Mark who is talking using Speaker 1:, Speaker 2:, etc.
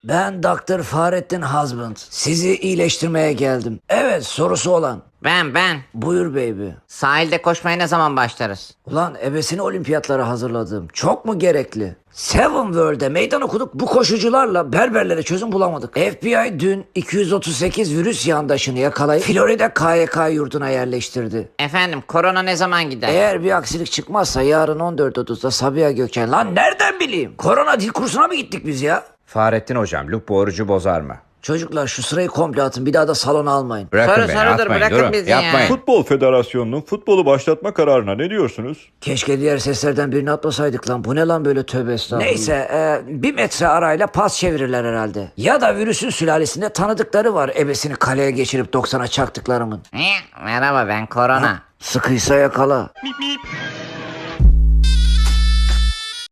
Speaker 1: Ben Dr. Fahrettin Husband. Sizi iyileştirmeye geldim. Evet, sorusu olan.
Speaker 2: Ben.
Speaker 1: Buyur baby.
Speaker 2: Sahilde koşmaya ne zaman başlarız?
Speaker 1: Ulan ebesini olimpiyatlara hazırladım. Çok mu gerekli? Seven World'e meydan okuduk. Bu koşucularla berberlere çözüm bulamadık. FBI dün 238 virüs yandaşını yakalayıp Florida KYK yurduna yerleştirdi.
Speaker 2: Efendim korona ne zaman gider?
Speaker 1: Eğer bir aksilik çıkmazsa yarın 14.30'da Sabiha Gökçen. Lan nereden bileyim? Korona dil kursuna mı gittik biz ya?
Speaker 3: Fahrettin hocam, Luke bu orucu bozar mı?
Speaker 1: Çocuklar şu sırayı komple atın. Bir daha da salona almayın.
Speaker 3: Bırakın
Speaker 2: Soru
Speaker 3: beni,
Speaker 2: sorudur,
Speaker 3: atmayın,
Speaker 2: bırakın
Speaker 3: durun,
Speaker 2: bizi ya.
Speaker 3: yapmayın.
Speaker 4: Futbol Federasyonu'nun futbolu başlatma kararına ne diyorsunuz?
Speaker 1: Keşke diğer seslerden birini atmasaydık lan. Bu ne lan böyle, tövbe estağfurullah. Neyse 1 metre arayla pas çevirirler herhalde. Ya da virüsün sülalesinde tanıdıkları var. Ebesini kaleye geçirip 90'a çaktıklarımın.
Speaker 2: Merhaba ben korona.
Speaker 1: Sıkıysa yakala.